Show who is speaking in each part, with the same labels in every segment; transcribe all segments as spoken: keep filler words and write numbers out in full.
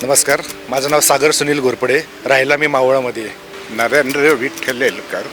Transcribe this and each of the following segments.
Speaker 1: नमस्कार, माझं नाव सागर सुनील घोरपडे, राहायला मी मावळामध्ये.
Speaker 2: नरेंद्र विठ्ठल येलकर,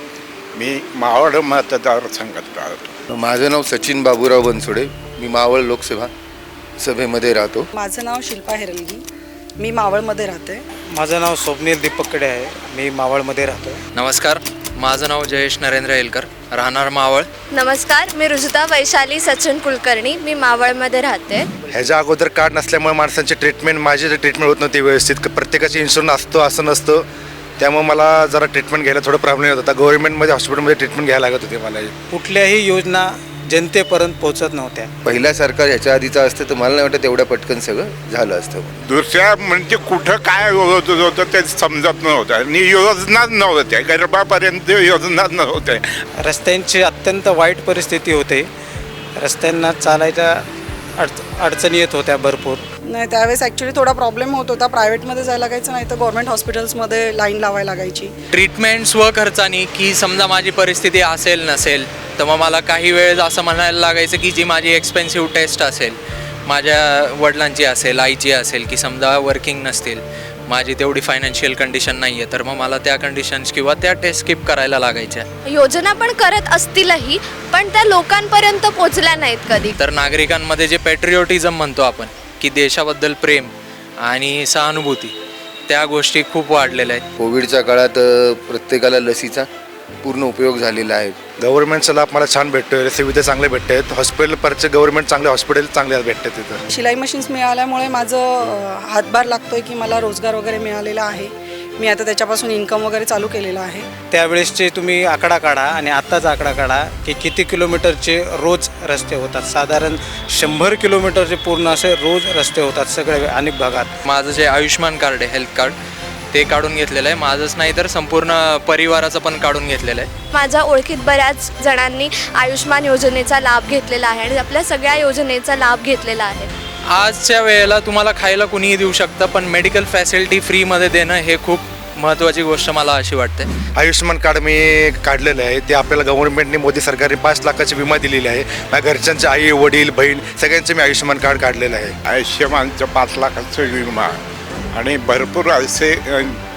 Speaker 2: मी मावळ मतदारसंघात राहतो.
Speaker 3: माझं नाव सचिन बाबूराव बनसोडे, मी मावळ लोकसभा सभेमध्ये राहतो.
Speaker 4: माझं नाव शिल्पा हेरलगी, मी मावळमध्ये राहते.
Speaker 5: माझं नाव स्वप्नील दीपक कडे आहे, मी मावळमध्ये राहतो.
Speaker 6: नमस्कार, माझं नाव जयेश नरेंद्र येलकर, राहणार मावळ.
Speaker 7: नमस्कार, मी रुजुता वैशाली सचिन कुलकर्णी, मी मावळमध्ये राहते.
Speaker 1: ह्याच्या अगोदर कार्ड नसल्यामुळे माणसांची ट्रीटमेंट माझी ट्रीटमेंट होत नव्हती व्यवस्थित. प्रत्येकाची इन्शुरन्स असतो असं नसतं, त्यामुळे मला जरा ट्रीटमेंट घ्यायला थोडा प्रॉब्लेम येत होता. गव्हर्नमेंटमध्ये हॉस्पिटलमध्ये ट्रीटमेंट घ्यायला लागत होती मला.
Speaker 5: कुठल्याही योजना जनतेपर्यंत पोहोचत नव्हत्या.
Speaker 3: पहिल्या सरकार ह्याच्या आधीचं असतं तर मला नाही वाटत एवढ्या पटकन सगळं झालं असतं.
Speaker 2: दुसऱ्या म्हणजे कुठं काय होत होतं ते समजत नव्हतं आणि योजनाच नव्हत्या, गरबापर्यंत योजनाच नव्हत्या.
Speaker 5: रस्त्यांची अत्यंत वाईट परिस्थिती होते. रस्त्यांना चालायच्या अडच अडचणी येत होत्या भरपूर.
Speaker 4: नाही, त्यावेळेस ॲक्च्युली थोडा प्रॉब्लेम होत होता. प्रायव्हेटमध्ये जायला लागायचं, नाही तर गव्हर्नमेंट हॉस्पिटल्समध्ये लाईन लावायला लागायची.
Speaker 6: ट्रीटमेंट स्वखर्चानी, की समजा माझी परिस्थिती असेल नसेल तर मग मला काही वेळेस असं म्हणायला लागायचं की जी माझी एक्सपेन्सिव्ह टेस्ट असेल, माझ्या वडिलांची असेल, आईची असेल, की समजा वर्किंग नसतील, माझी तेवढी फायनान्शियल कंडिशन नाही आहे, तर मग मला त्या कंडिशन्स किंवा त्या टेस्ट स्किप करायला लागायच्या.
Speaker 7: योजना पण करत असतीलही, पण त्या लोकांपर्यंत पोचल्या नाहीत कधी.
Speaker 6: तर नागरिकांमध्ये जे पॅट्रिओटिझम म्हणतो आपण, की देशाबद्दल प्रेम आणि सहानुभूती, त्या गोष्टी खूप वाढलेल्या आहेत.
Speaker 3: कोविडच्या काळात अ, प्रत्येकाला लसीचा पूर्ण उपयोग झालेला आहे.
Speaker 1: गव्हर्नमेंटचा लाभ मला छान भेटतोय, सुविधा चांगल्या भेटत आहेत. हॉस्पिटल परचे गव्हर्नमेंट चांगले हॉस्पिटल चांगले भेटतात तिथं.
Speaker 4: शिलाई मशीन्स मिळाल्यामुळे माझं अ, हातभार लागतोय की मला रोजगार वगैरे मिळालेला आहे. मी आता त्याच्यापासून इन्कम वगैरे चालू केलेलं आहे.
Speaker 5: त्यावेळेसचे तुम्ही आकडा काढा आणि आत्ताचा आकडा काढा की किती किलोमीटरचे रोज रस्ते होतात. साधारण शंभर किलोमीटरचे पूर्ण असे रोज रस्ते होतात सगळे अनेक भागात.
Speaker 6: माझं जे आयुष्यमान कार्ड आहे, हेल्थ कार्ड, ते काढून घेतलेलं आहे. माझंच नाही तर संपूर्ण परिवाराचं पण काढून घेतलेलं आहे.
Speaker 7: माझ्या ओळखीत बऱ्याच जणांनी आयुष्मान योजनेचा लाभ घेतलेला आहे आणि आपल्या सगळ्या योजनेचा लाभ घेतलेला आहे.
Speaker 6: आजच्या वेळेला तुम्हाला खायला कुणीही देऊ शकतं, पण मेडिकल फॅसिलिटी फ्रीमध्ये देणं हे खूप महत्त्वाची गोष्ट मला अशी वाटते.
Speaker 1: आयुष्यमान कार्ड मी काढलेलं आहे. ते आपल्याला गव्हर्नमेंटने, मोदी सरकारने पाच लाखाची विमा दिलेली आहे. माझ्या घरच्यांचे आई वडील बहीण सगळ्यांचे मी आयुष्यमान कार्ड काढलेलं आहे.
Speaker 2: आयुष्यमानचं पाच लाखाचं विमा आणि भरपूर असे अ,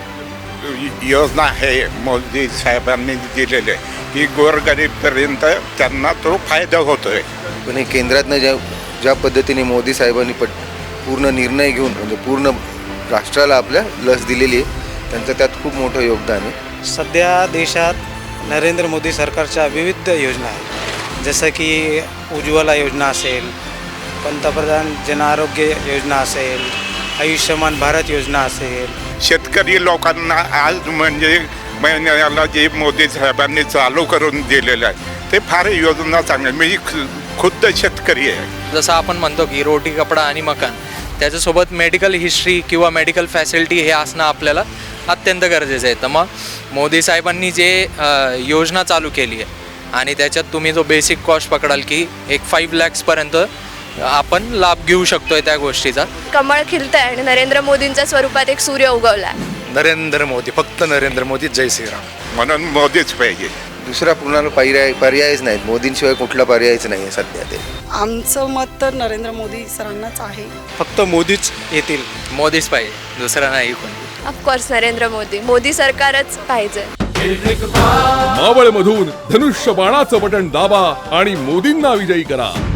Speaker 2: योजना आहे मोदी साहेबांनी दिलेले की गोरगरीबपर्यंत त्यांना तो फायदा होतोय.
Speaker 3: पण हे केंद्रातनं ज्या ज्या पद्धतीने मोदी साहेबांनी पट पूर्ण निर्णय घेऊन म्हणजे पूर्ण राष्ट्राला आपल्या लस दिलेली आहे, त्यांचं त्यात खूप मोठं योगदान आहे.
Speaker 5: सध्या देशात नरेंद्र मोदी सरकारच्या विविध योजना आहेत, जसं की उज्ज्वला योजना असेल, पंतप्रधान जन आरोग्य योजना असेल, आयुष्यमान भारत योजना असेल.
Speaker 2: शेतकरी लोकांना आज म्हणजे महिन्याला जे मोदी साहेबांनी चालू करून दिलेलं आहे ते फार योजना चांगल्या. मी खुद्द शेतकरी आहे.
Speaker 6: जसं आपण म्हणतो की रोटी कपडा आणि मकान, त्याच्यासोबत मेडिकल हिस्ट्री किंवा मेडिकल फॅसिलिटी हे असणं आपल्याला अत्यंत गरजेचं आहे. तर मग मोदी साहेबांनी जे योजना चालू केली आहे आणि त्याच्यात तुम्ही जो बेसिक कॉस्ट पकडाल की एक फाईव्ह लॅक्सपर्यंत आपण लाभ घेऊ शकतोय त्या गोष्टीचा.
Speaker 7: कमळ खिलतंय आणि नरेंद्र मोदींच्या स्वरूपात एक सूर्य उगवला.
Speaker 1: नरेंद्र मोदी, फक्त नरेंद्र मोदी, जय श्रीराम.
Speaker 2: म्हणून मोदीच पाहिजे.
Speaker 3: दुसरा पूर्ण पर्याय पर्यायच नाहीत. मोदींशिवाय कुठला पर्यायच नाही आहे सध्या. ते
Speaker 4: आमचं मत तर नरेंद्र मोदी सरांनाच आहे.
Speaker 5: फक्त मोदीच येतील.
Speaker 6: मोदीच पाहिजे, दुसरा नाही कोणी.
Speaker 7: ऑफकोर्स नरेंद्र मोदी, मोदी सरकारच पाहिजे.
Speaker 8: मावळमधून धनुष्य बाणाचं बटन दाबा आणि मोदींना विजयी करा.